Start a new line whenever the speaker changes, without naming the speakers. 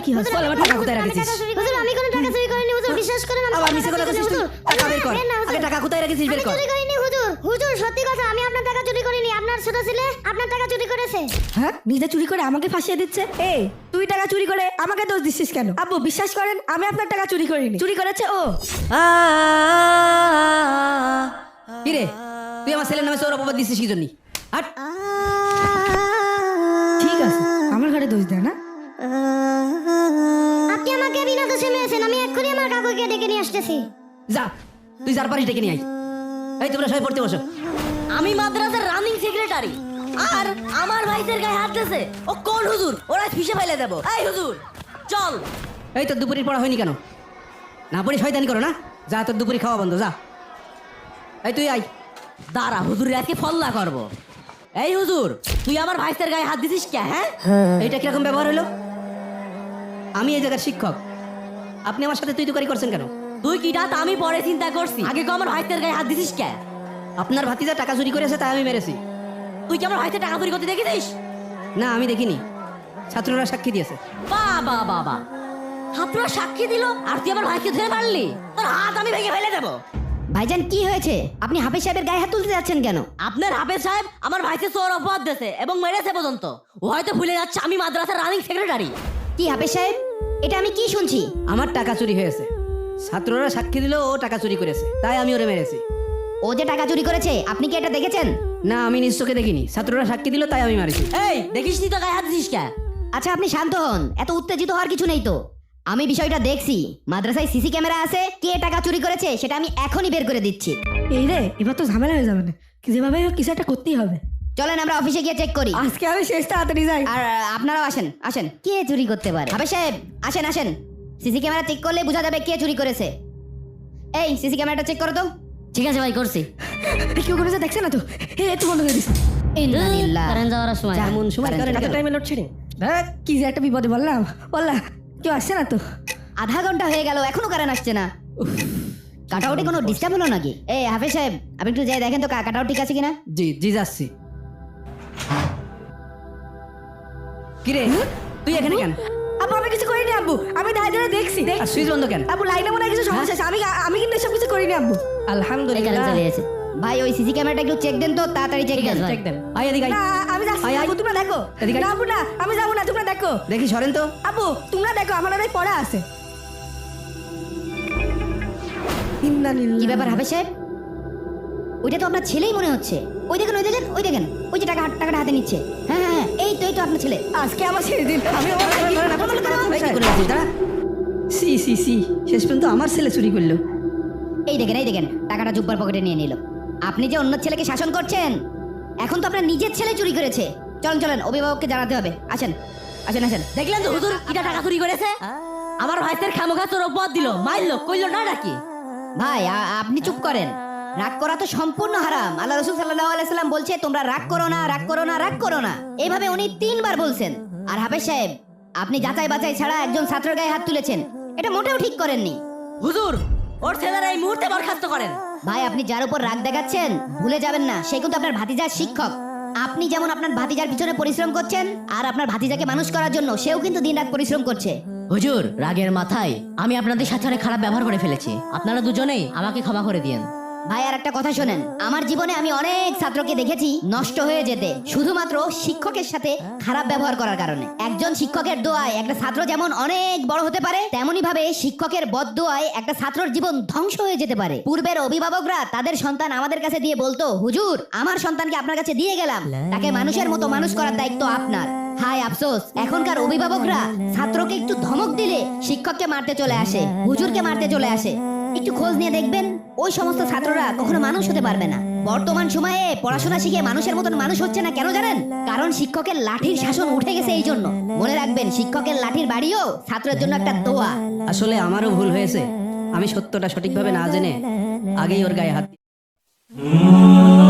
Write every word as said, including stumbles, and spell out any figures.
কি হচ্ছে? বল আমার টাকা কোথায় রেখেছিস?
হুজুর আমি কোনো টাকা চুরি করিনি হুজুর, বিশ্বাস করেন আমি
আবার মিছে কথা বলছিস তুই? টাকা বের কর। আগে টাকা কোথায় রেখেছিস বের কর।
চুরি করিনি হুজুর, হুজুর সত্যি কথা, আমি আপনার টাকা চুরি করিনি, আপনার ছোট ছেলে আপনার টাকা চুরি করেছে।
হ্যাঁ, নিজে চুরি করে আমাকে ফাঁসিয়ে দিচ্ছে। এই তুই টাকা চুরি করে আমাকে দোষ দিচ্ছিস কেন? আব্বু বিশ্বাস করেন আমি আপনার টাকা চুরি করিনি, চুরি করেছে ও। কি রে তুই আমার ছেলের নামে চোর অপবাদ দিচ্ছিস কি জন্য? হাট। ঠিক আছে আমার ঘরে দোষ দেয় না।
আপনি আমাকে বিনা দোষে মেরেছেন, আমি এক্ষুনি আমার কাকুকে ডেকে নিয়ে আসতেছি।
যা তুই যার পারিস ডেকে নিয়ে আয়। এই তোমরা সবাই পড়তে বসো।
আমি মাদ্রাসার রানিং সেক্রেটারি, আর আমার ভাইদের গায়ে হাত দিয়েছে ও কোন হুজুর? ওরা ফিসে ফেলে দেব। এই হুজুর চল।
এই তোর দুপুরের পড়া হয়নি কেন? না পড়ি শয়তানি করো না? যা তোর দুপুরি খাওয়া বন্ধ যা। এই তুই আয়।
দাঁড়া হুজুরের আজকে ফল্লা করবো। এই হুজুর তুই আমার ভাইদের গায়ে হাত দিছিস কে? হ্যাঁ
এইটা কিরকম ব্যবহার হলো? আমি এই জায়গার শিক্ষক, আপনি আমার সাথে তুই তুকারি করছেন কেন?
তুই কিটা তা আমি পরে চিন্তা করছি, আগে কো আমার ভাইদের গায়ে হাত দিছিস কে?
আপনার ভাতিজা টাকা চুরি করেছে তাই আমি মেরেছি।
তুই কি আমার ভাইদের টাকা চুরি করতে দেখেছিস?
না আমি দেখিনি, ছাত্ররা সাক্ষী দিয়েছে।
বাবা বাবা, ছাত্ররা সাক্ষী দিল আর তুই আমার ভাইকে ধরে মারলি? তোর হাত আমি ভেঙে ফেলে দেবো।
ভাইজান কি হয়েছে? আপনি হাফেজ সাহেবের গায়ে হাত তুলতে যাচ্ছেন কেন?
আপনার হাফেজ সাহেব আমার ভাইকে চোর অপবাদ দিয়েছে এবং মেরেছে পর্যন্ত। ও হয়তো ভুলে যাচ্ছে আমি মাদ্রাসার রানিং সেক্রেটারি।
কি হাফেজ সাহেব, এটা আমি কি শুনছি?
আমার টাকা চুরি হয়েছে, ছাত্ররা সাক্ষী দিল ও টাকা চুরি করেছে তাই আমি ওরে মেরেছি।
ও যে টাকা চুরি করেছে আপনি কি এটা দেখেছেন?
না আমি নিজ চোখে দেখিনি, ছাত্ররা সাক্ষী দিল তাই আমি মারিছি।
এই দেখিস নি তো গায়ে হাত দিছিস কে?
আচ্ছা আপনি শান্ত হন, এত উত্তেজিত হওয়ার কিছু নেই তো। আমি বিষয়টা দেখছি, মাদ্রাসায় সিসি ক্যামেরা আছে, কে টাকা চুরি করেছে সেটা আমি এখনই বের করে দিচ্ছি।
এই রে এবার তো ঝামেলা হয়ে যাবে না, যেভাবে হোক কিছু একটা করতেই হবে।
চলেন আমরা অফিসে গিয়ে চেক করি।
আজকে আমি শেষ তাড়াতাড়ি যাই।
আর আহ, আপনারাও আসেন আসেন। কে চুরি করতে পারে? হাফেজ সাহেব আসেন আসেন, সিসি ক্যামেরা চেক করলে বোঝা যাবে কে চুরি করেছে। এই সিসি ক্যামেরাটা চেক করো তো।
ঠিক আছে ভাই করছি।
কেউ করেছে দেখছে না তো? এ একটু বন্ধ করে দিস।
ইন্নালিল্লাহ।
কারেন্ট যাওয়ার সময়
এমন সময়
কারেন্ট
কারেন্ট
চলে গেল।
টাইমে লোডশেডিং। দেখ কি যে একটা বিপদে বললাম বললাম, কেউ আসছে না তো।
আধা ঘন্টা হয়ে গেল এখনো কারেন্ট আসছে না। কাটাউটে কোনো ডিস্টার্ব হলো নাকি? এই হাফেজ সাহেব আপনি একটু যাই দেখেন তো কাটাউট ঠিক আছে কিনা।
জি জি যাচ্ছি। কিরে তুই এখানে কেন?
আব্বু আমি কিছু করিনি আব্বু, আমি ধারে ধারে দেখছি।
আর সুইচ বন্ধ কেন?
আব্বু লাইনে মনে হয় কিছু সমস্যা আছে, আমি আমি কিন্তু এসব কিছু করিনি আব্বু।
এই কারেন্ট
আলহামদুলিল্লাহ।
চলে এসেছে। ভাই ওই সিসি ক্যামেরাটা একটু চেক দেন তো, তাড়াতাড়ি চেক দেন।
চেক দেন। আয় এদিকে আয়।
না আমি যাচ্ছি
আয়,
না,
আয়।
আব্বু তোমরা দেখো।
এদিকে আয়।
না আব্বু না, আমি যাবো না, তোমরা দেখো।
দেখি সরেন তো।
আব্বু তোমরা দেখো, আমার অনেক পড়া আছে। ইন্নালিল্লাহ।
কি ব্যাপার হাফেজ সাহেব? ওইটা তো আপনার ছেলেই মনে হচ্ছে। ওই দেখেন ওই দেখেন ওই দেখেন ওই যে টাকা টাকাটা হাতে নিচ্ছে। হ্যাঁ হ্যাঁ হ্যাঁ, এই তো এই তো আপনার ছেলে।
আজকে আমার ছেড়ে দিন, আমি আমার
এই, কি করে আছিস দাঁড়া। সি সি সি শেষ পর্যন্ত আমার ছেলে চুরি করলো।
এই দেখেন এই দেখেন টাকাটা জুব্বার পকেটে নিয়ে নিল। আপনি যে অন্য ছেলেকে শাসন করছেন, এখন তো আপনার নিজের ছেলে চুরি করেছে। চলেন চলেন অভিভাবককে জানাতে হবে। আসেন আসেন আসেন।
দেখলেন তো হুজুর কিটা টাকা চুরি করেছে? আমার ভাইদের খামোখা চোর অপবাদ দিল, মারলো, কইলো না নাকি?
ভাই আ- আপনি চুপ করেন। রাগ করা তো সম্পূর্ণ হারাম। আল্লাহ রাসূল সাল্লাল্লাহু আলাইহি সাল্লাম বলছে তোমরা রাগ করো না, রাগ করো না, রাগ করো না। এইভাবে উনি তিনবার বলছেন। আর হাফেজ সাহেব আপনি যাচাই বাছাই ছাড়া একজন ছাত্রের গায়ে হাত তুলেছেন, এটা মোটেও ঠিক করেননি।
হুজুর ওর ছেলেরা এই মুহূর্তে বরখাস্ত করেন।
ভাই আপনি যার উপর রাগ দেখাচ্ছেন ভুলে যাবেন না সে কিন্তু আপনার ভাতিজার শিক্ষক। আপনি যেমন আপনার ভাতিজার পিছনে পরিশ্রম করছেন, আর আপনার ভাতিজাকে মানুষ করার জন্য সেও কিন্তু দিনরাত পরিশ্রম করছে।
হুজুর রাগের মাথায় আমি আপনাদের সাথে অনেক খারাপ ব্যবহার করে ফেলেছি, আপনারা দুজনেই আমাকে ক্ষমা করে দিয়েন।
ভাই আর একটা কথা শোনেন, আমার জীবনে আমি অনেক ছাত্রকে দেখেছি নষ্ট হয়ে যেতে শুধুমাত্র শিক্ষকের সাথে খারাপ ব্যবহার করার কারণে। একজন শিক্ষকের দোয়ায় একটা ছাত্র যেমন অনেক বড় হতে পারে, তেমনি ভাবে শিক্ষকের বদদোয়ায় একটা ছাত্রর জীবন ধ্বংস হয়ে যেতে পারে। পূর্বের অভিভাবকরা তাদের সন্তান আমাদের কাছে দিয়ে বলতো, হুজুর আমার সন্তানকে আপনার কাছে দিয়ে গেলাম, তাকে মানুষের মতো মানুষ করার দায়িত্ব আপনার। হায় আফসোস, এখনকার অভিভাবকরা ছাত্রকে একটু ধমক দিলে শিক্ষককে মারতে চলে আসে, হুজুরকে মারতে চলে আসে। একটু খোঁজ নিয়ে দেখবেন ওই সমস্ত ছাত্ররা কখনো মানুষ হতে পারবে না। বর্তমান সময়ে পড়াশোনা শিখে মানুষের মতন মানুষ হচ্ছে না, কেন জানেন? কারণ শিক্ষকের লাঠির শাসন উঠে গেছে। এই জন্য মনে রাখবেন, শিক্ষকের লাঠির বাড়িও ছাত্রের জন্য একটা দোয়া।
আসলে আমারও ভুল হয়েছে, আমি সত্যটা সঠিকভাবে না জেনে আগেই ওর গায়ে হাত